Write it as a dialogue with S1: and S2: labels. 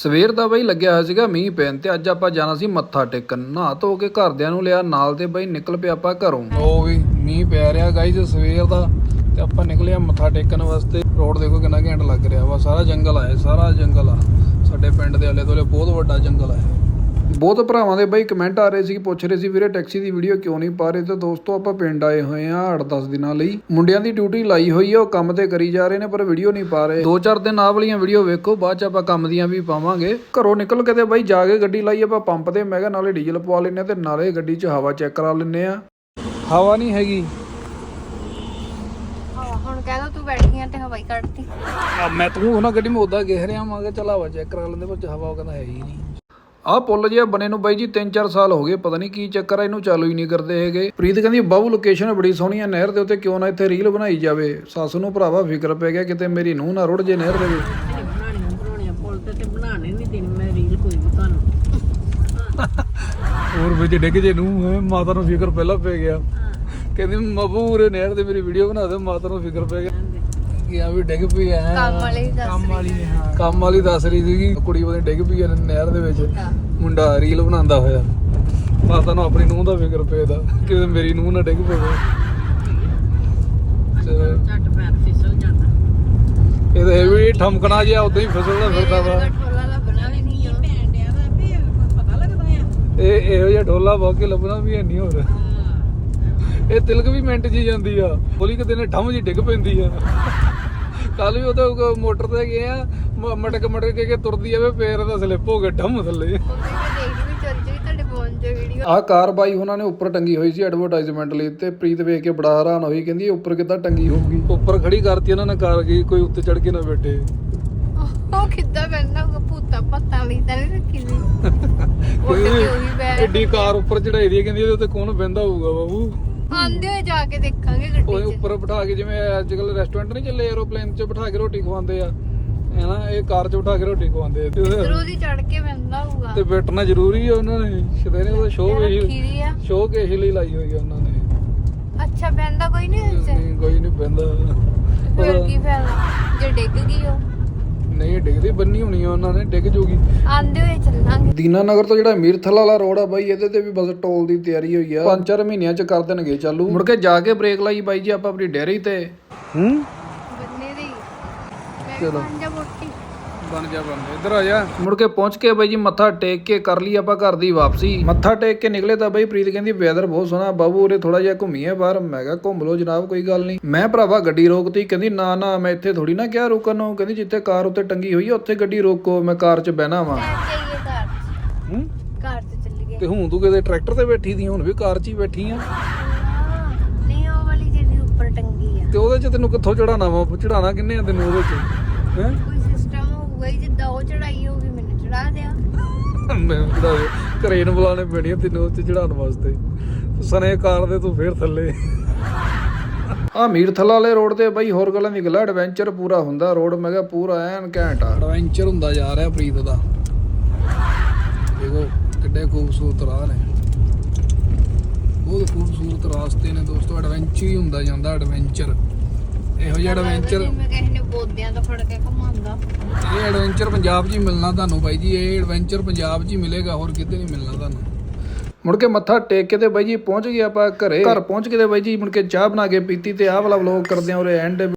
S1: ਸਵੇਰ ਦਾ ਬਈ ਲੱਗਿਆ ਹੋਇਆ ਸੀਗਾ ਮੀਂਹ ਪੈਣ ਤੇ ਅੱਜ ਆਪਾਂ ਜਾਣਾ ਸੀ ਮੱਥਾ ਟੇਕਣ। ਨਹਾ ਧੋ ਕੇ ਘਰਦਿਆਂ ਨੂੰ ਲਿਆ ਨਾਲ ਤੇ ਬਈ ਨਿਕਲ ਪਿਆ ਆਪਾਂ ਘਰੋਂ। ਉਹ ਵੀ ਮੀਂਹ ਪੈ ਰਿਹਾ ਗਾਈਜ਼ ਸਵੇਰ ਦਾ ਤੇ ਆਪਾਂ ਨਿਕਲੇ ਆ ਮੱਥਾ ਟੇਕਣ ਵਾਸਤੇ। ਰੋਡ ਦੇਖੋ ਕਿੰਨਾ ਘੈਂਟ ਲੱਗ ਰਿਹਾ ਵਾ। ਸਾਰਾ ਜੰਗਲ ਆ, ਸਾਰਾ ਜੰਗਲ ਆ। ਸਾਡੇ ਪਿੰਡ ਦੇ ਆਲੇ ਦੁਆਲੇ ਬਹੁਤ ਵੱਡਾ ਜੰਗਲ ਆ। ਬਹੁਤ ਭਰਾਵਾਂ ਦੇ ਬਈ ਕਮੈਂਟ ਆ ਰਹੇ ਸੀ, ਪੁੱਛ ਰਹੇ ਸੀ ਵੀਰੇ ਟੈਕਸੀ ਦੀ ਵੀਡੀਓ ਕਿਉਂ ਨਹੀਂ ਪਾ ਰਹੇ। ਤੇ ਦੋਸਤੋ ਆਪਾਂ ਪਿੰਡ ਆਏ ਹੋਏ ਆ 8-10 ਦਿਨਾਂ ਲਈ। ਮੁੰਡਿਆਂ ਦੀ ਡਿਊਟੀ ਲਾਈ ਹੋਈ ਆ, ਉਹ ਕੰਮ ਤੇ ਕਰੀ ਜਾ ਰਹੇ ਨੇ ਪਰ ਵੀਡੀਓ ਨਹੀਂ ਪਾ ਰਹੇ। 2-4 ਦਿਨ ਆਹ ਵਾਲੀਆਂ ਵੀਡੀਓ ਵੇਖੋ, ਬਾਅਦ ਚ ਆਪਾਂ ਕੰਮ ਦੀਆਂ ਵੀ ਪਾਵਾਂਗੇ। ਘਰੋਂ ਨਿਕਲ ਕੇ ਤੇ ਬਈ ਜਾ ਕੇ ਗੱਡੀ ਲਾਈ ਆਪਾਂ ਪੰਪ ਤੇ। ਮੈਂ ਕਿਹਾ ਨਾਲੇ ਡੀਜ਼ਲ ਪਵਾ ਲੈਂਦੇ ਤੇ ਨਾਲੇ ਗੱਡੀ 'ਚ ਹਵਾ ਚੈੱਕ ਕਰਾ ਲੈਂਦੇ ਆ। ਹਵਾ ਨਹੀਂ ਹੈਗੀ
S2: ਹੁਣ ਕਹਿ ਦੋ ਤੂੰ ਬੈਠੀਆਂ ਤੇ ਹਵਾਈ ਕੱਢਤੀ।
S1: ਮੈਂ ਤੂੰ ਉਹਨਾਂ ਗੱਡੀ ਮੈਂ ਉਦਾਂ ਗਿਰ ਰਿਹਾ। ਮੈਂ ਕਿਹਾ ਚੱਲ ਹਵਾ ਚੈੱਕ ਕਰਾ ਲੈਂਦੇ, ਪਰ ਹਵਾ ਉਹ ਕਹਿੰਦਾ ਹੈ ਹੀ ਨਹੀਂ। ਆਹ ਪੁੱਲ ਜਿਹਾ ਬਣੇ ਨੂੰ ਬਾਈ ਜੀ 3-4 ਸਾਲ ਹੋ ਗਏ, ਪਤਾ ਨਹੀਂ ਕੀ ਚੱਕਰ ਆ, ਇਹਨੂੰ ਚਾਲੂ ਹੀ ਨਹੀਂ ਕਰਦੇ ਹੈਗੇ। ਪ੍ਰੀਤ ਕਹਿੰਦੀ ਬਾਬੂ ਲੋਕੇਸ਼ਨ ਬੜੀ ਸੋਹਣੀ ਆ ਨਹਿਰ ਦੇ ਉੱਤੇ, ਕਿਉਂ ਨਾ ਇੱਥੇ ਰੀਲ ਬਣਾਈ ਜਾਵੇ। ਸੱਸ ਨੂੰ ਭਰਾਵਾ ਫਿਕਰ ਪੈ ਗਿਆ ਕਿਤੇ ਮੇਰੀ ਨੂੰਹ ਨਾ ਰੁੜ ਜੇ ਨਹਿਰ ਦੇ ਵਿੱਚ।
S3: ਬਣਾਉਣੀਆਂ ਪੁੱਲ ਤੇ ਬਣਾਣੇ ਨਹੀਂ ਦੇਣੀ ਮੈਂ ਰੀਲ ਕੋਈ ਵੀ ਤੁਹਾਨੂੰ।
S1: ਹੋਰ ਵਿੱਚ ਡਿੱਗ ਜੇ ਨੂੰ ਮਾਤਾ ਨੂੰ ਫਿਕਰ ਪਹਿਲਾਂ ਪੈ ਗਿਆ। ਕਹਿੰਦੀ ਮਬੂ ਉਰੇ ਨਹਿਰ ਤੇ ਮੇਰੀ ਵੀਡੀਓ ਬਣਾ ਦੇ। ਮਾਤਾ ਨੂੰ ਫਿਕਰ ਪੈ ਗਿਆ ਕਿ ਆ ਵੀ ਡਿੱਗ ਪਈ ਐ। ਕੰਮ ਵਾਲੀ ਦੱਸ ਰਹੀ ਸੀਗੀ ਕੁੜੀ ਉਹਦੀ ਡਿੱਗ ਪਈ ਐ ਨਹਿਰ ਦੇ ਵਿੱਚ। ਮੁੰਡਾ ਰੀਲ ਬਣਾਉਂਦਾ ਹੋਇਆ। ਮਾਤਾ ਨੂੰ ਆਪਣੀ ਨੂੰਹ ਦਾ ਫਿਕਰ ਪੈਦਾ ਕਿ ਮੇਰੀ ਨੂੰਹ ਨਾ ਡਿੱਗ ਪਵੇ।
S3: ਝੱਟ ਪੈਰ ਫਿਸਲ ਜਾਂਦਾ।
S1: ਇਹ ਤਾਂ ਇਹ ਵੀ ਠਮਕਣਾ ਜਿਹਾ ਉਦਾਂ ਹੀ ਫਿਸਲਦਾ ਫਿਰਦਾ ਵਾ। ਇਹ ਇਹੋ ਜਿਹਾ ਢੋਲਾ ਬਹੁਤ ਕੇ ਲੱਭਣਾ ਵੀ ਹੈ ਨਹੀਂ। ਹੋਰ ਇਹ ਤਿਲਕ ਵੀ ਮਿੰਟ 'ਚ ਹੀ ਜਾਂਦੀ ਆ। ਬੋਲੀ ਕਿਤੇ ਨੇ ਠੰਮ ਜੀ ਡਿੱਗ ਪੈਂਦੀ ਆ। ਕੱਲ ਵੀ ਉਹ ਤਾਂ ਮੋਟਰ ਤੇ ਗਏ ਆ, ਮਟਕ ਕੇ ਤੁਰਦੀ ਆਵੇ, ਪੈਰ ਦਾ ਸਲਿੱਪ ਹੋ ਗਿਆ ਠੰਮ ਥੱਲੇ। ਆਹ ਕਾਰ ਬਾਈ ਉਹਨਾਂ ਨੇ ਉੱਪਰ ਟੰਗੀ ਹੋਈ ਸੀ ਐਡਵਰਟਾਈਜ਼ਮੈਂਟ ਲਈ ਤੇ ਪ੍ਰੀਤ ਵੇਖ ਕੇ ਬੜਾ ਹੈਰਾਨ ਹੋਈ। ਕਹਿੰਦੀ ਇਹ ਉੱਪਰ ਕਿੱਦਾਂ ਟੰਗੀ ਹੋਊਗੀ। ਉੱਪਰ ਖੜੀ ਕਰਤੀ ਉਹਨਾਂ ਨੇ ਕਾਰ ਗਈ, ਕੋਈ ਉੱਤੇ ਚੜ ਕੇ ਨਾ ਬੈਠੇ।
S2: ਉਹ ਕਿੱਦਾਂ ਬੈਠਣਾ ਹੋਊਗਾ, ਭੂਤਾਂ ਪੱਤਾਂ ਲਈ ਤਾਂ ਨਹੀਂ ਰੱਖੀ ਸੀ।
S1: ਐਡੀ ਕਾਰ ਉੱਪਰ ਚੜਾਈ ਦੀ, ਕਹਿੰਦੀ ਇਹਦੇ ਉੱਤੇ ਕੌਣ ਬਹਿੰਦਾ ਹੋਊਗਾ ਬਾਬੂ।
S2: ਆਂਦੇ ਹੋਏ ਜਾ ਕੇ ਦੇਖਾਂਗੇ ਗੱਡੀ 'ਚ।
S1: ਉੱਪਰ ਬਿਠਾ ਕੇ, ਜਿਵੇਂ ਅੱਜ ਕੱਲ ਰੈਸਟੋਰੈਂਟ ਨਹੀਂ ਚੱਲੇ ਐਰੋਪਲੇਨ 'ਚ ਬਿਠਾ ਕੇ ਰੋਟੀ ਖਵਾਉਂਦੇ ਆ, ਹੈ ਨਾ, ਇਹ ਕਾਰ 'ਚ ਬਿਠਾ ਕੇ ਰੋਟੀ ਖਵਾਉਂਦੇ ਆ।
S2: ਉਧਰੋਂ ਦੀ ਚੜ ਕੇ ਬਹਿੰਦਾ ਹੋਊਗਾ
S1: ਤੇ ਬੈਠਣਾ ਜ਼ਰੂਰੀ ਆ ਉਹਨਾਂ ਨੇ। ਸ਼ਦੇਨੇ ਉਹਦਾ ਸ਼ੋਅ ਕੇ ਲਈ ਲਾਈ ਹੋਈ ਆ ਉਹਨਾਂ ਨੇ।
S2: ਅੱਛਾ ਬਹਿੰਦਾ ਕੋਈ ਨਹੀਂ
S1: ਕੋਈ ਨਹੀਂ ਬਹਿੰਦਾ।
S2: ਫਿਰ ਕੀ ਫਾਇਦਾ ਜੇ ਡਿੱਗ ਗਈ ਉਹ।
S1: ਨਹੀਂ ਡਿੱਗਦੀ, ਬੰਨੀ ਹੋਣੀ ਆ ਉਹਨਾਂ ਨੇ, ਡਿੱਗ ਜੂਗੀ।
S2: ਆਂਦੇ ਹੋਏ ਚੱਲਾਂਗੇ।
S1: ਦੀਨਾਨਗਰ ਤੋਂ ਜਿਹੜਾ ਮੀਰਥਲ ਵਾਲਾ ਰੋਡ ਆ ਬਾਈ, ਇਹਦੇ ਤੇ ਵੀ ਬਸ ਟੋਲ ਦੀ ਤਿਆਰੀ ਹੋਈ ਆ। 5-4 ਮਹੀਨਿਆਂ ਚ ਕਰ ਦੇਣਗੇ ਚਾਲੂ। ਮੁੜ ਕੇ ਜਾ ਕੇ ਬ੍ਰੇਕ ਲਾਈ ਬਾਈ ਜੀ ਆਪਾਂ ਆਪਣੀ ਡੈਰੀ ਤੇ।
S2: ਬੰਨੇ ਦੀ
S1: ਚਲੋ
S2: ਬਣ ਜਾ
S1: ਇੱਧਰ ਆ ਜਾ। ਮੁੜ ਕੇ ਪਹੁੰਚ ਕੇ ਬਾਈ ਜੀ ਮੱਥਾ ਟੇਕ ਕੇ ਕਰ ਲਈ ਆਪਾਂ ਘਰ ਦੀ ਵਾਪਸੀ। ਮੱਥਾ ਟੇਕ ਕੇ ਨਿਕਲੇ ਤਾਂ ਬਾਈ ਪ੍ਰੀਤ ਕਹਿੰਦੀ ਵੈਦਰ ਬਹੁਤ ਸੋਹਣਾ ਬਾਬੂ, ਉਰੇ ਥੋੜਾ ਜਿਹਾ ਘੁੰਮੀਏ ਬਾਹਰ। ਮੈਂ ਕਿਹਾ ਘੁੰਮ ਲਓ ਜਨਾਬ, ਕੋਈ ਗੱਲ ਨਹੀਂ। ਮੈਂ ਭਰਾਵਾ ਗੱਡੀ ਰੋਕਤੀ। ਕਹਿੰਦੀ ਨਾ ਨਾ ਮੈਂ ਇੱਥੇ ਥੋੜੀ ਨਾ ਕਿਹਾ ਰੋਕਣ ਨੂੰ। ਕਹਿੰਦੀ ਜਿੱਥੇ ਕਾਰ ਉੱਤੇ ਟੰਗੀ ਹੋਈ ਆ ਉੱਥੇ ਗੱਡੀ ਰੋਕੋ, ਮੈਂ ਕਾਰ 'ਚ ਬਹਿਣਾ ਵਾ।
S2: ਕਾਰ ਤੇ ਚੱਲੀਏ।
S1: ਤੇ ਹੁਣ ਤੂੰ ਕਿਤੇ ਟਰੈਕਟਰ ਤੇ ਬੈਠੀ ਦੀ, ਹੁਣ ਵੀ ਕਾਰ 'ਚ ਹੀ ਬੈਠੀ ਆ।
S2: ਨਹੀਂ ਉਹ ਵਾਲੀ ਜਿਹੜੀ ਉੱਪਰ ਟੰਗੀ ਆ।
S1: ਤੇ ਉਹਦੇ 'ਚ ਤੈਨੂੰ ਕਿੱਥੋਂ ਚੜਾਣਾ ਵਾ? ਚੜਾਣਾ ਕਿੰਨੇ ਆ ਤੈਨੂੰ ਉਹਦੇ 'ਚ? ਹੈ
S2: ਕੋਈ ਸਿਸਟਮ ਹੋਊਗਾ ਹੀ, ਜਿੱਦਾਂ ਉਹ ਚੜਾਈ ਹੋਊਗੀ ਮੈਨੂੰ ਚੜਾ ਦਿਆ।
S1: ਮੈਂ ਚੜਾ ਦੇ, ਕਰੇਨ ਬੁਲਾਣੇ ਪੈਣੀ ਤੈਨੂੰ ਉੱਤੇ ਚੜਾਉਣ ਵਾਸਤੇ। ਸਨੇ ਕਾਰ ਦੇ ਤੂੰ ਫੇਰ ਥੱਲੇ। ਆ ਮੀਰਥਲਾ ਵਾਲੇ ਰੋਡ ਤੇ ਬਾਈ ਹੋਰ ਗੱਲਾਂ ਦੀ ਗੱਲ, ਐਡਵੈਂਚਰ ਪੂਰਾ ਹੁੰਦਾ ਰੋਡ। ਮੈਂ ਕਿਹਾ ਪੂਰਾ ਐਨ ਘੈਂਟ ਆ, ਐਡਵੈਂਚਰ ਹੁੰਦਾ ਜਾ ਰਿਹਾ ਪ੍ਰੀਤ ਦਾ। ਦੇਖੋ ਕਿੱਡੇ ਖੂਬਸੂਰਤ ਰਾਹ ਨੇ, ਬਹੁਤ ਖੂਬਸੂਰਤ ਰਾਸਤੇ ਨੇ ਦੋਸਤੋ। ਐਡਵੈਂਚਰ ਹੀ ਹੁੰਦਾ ਜਾਂਦਾ, ਐਡਵੈਂਚਰ। ਇਹੋ ਜਿਹਾ ਐਡਵੈਂਚਰ
S2: ਕਿਸੇ ਨੇ ਬੋਦਿਆਂ ਤੋਂ ਫੜ ਕੇ ਘੁਮਾਉਂਦਾ।
S1: ਇਹ ਐਡਵੈਂਚਰ ਪੰਜਾਬ 'ਚ ਹੀ ਮਿਲਣਾ ਤੁਹਾਨੂੰ ਬਾਈ ਜੀ। ਇਹ ਐਡਵੈਂਚਰ ਪੰਜਾਬ 'ਚ ਹੀ ਮਿਲੇਗਾ, ਹੋਰ ਕਿਤੇ ਨਹੀਂ ਮਿਲਣਾ ਤੁਹਾਨੂੰ। ਮੁੜ ਕੇ ਮੱਥਾ ਟੇਕ ਕੇ ਤੇ ਬਾਈ ਜੀ ਪਹੁੰਚ ਗਏ ਆਪਾਂ ਘਰੇ। ਘਰ ਪਹੁੰਚ ਕੇ ਤੇ ਬਾਈ ਜੀ ਮੁੜ ਕੇ ਚਾਹ ਬਣਾ ਕੇ ਪੀਤੀ ਤੇ ਆਹ ਵਾਲਾ ਵਲੋਗ ਕਰਦੇ ਆ ਉਰੇ ਐਂਡ।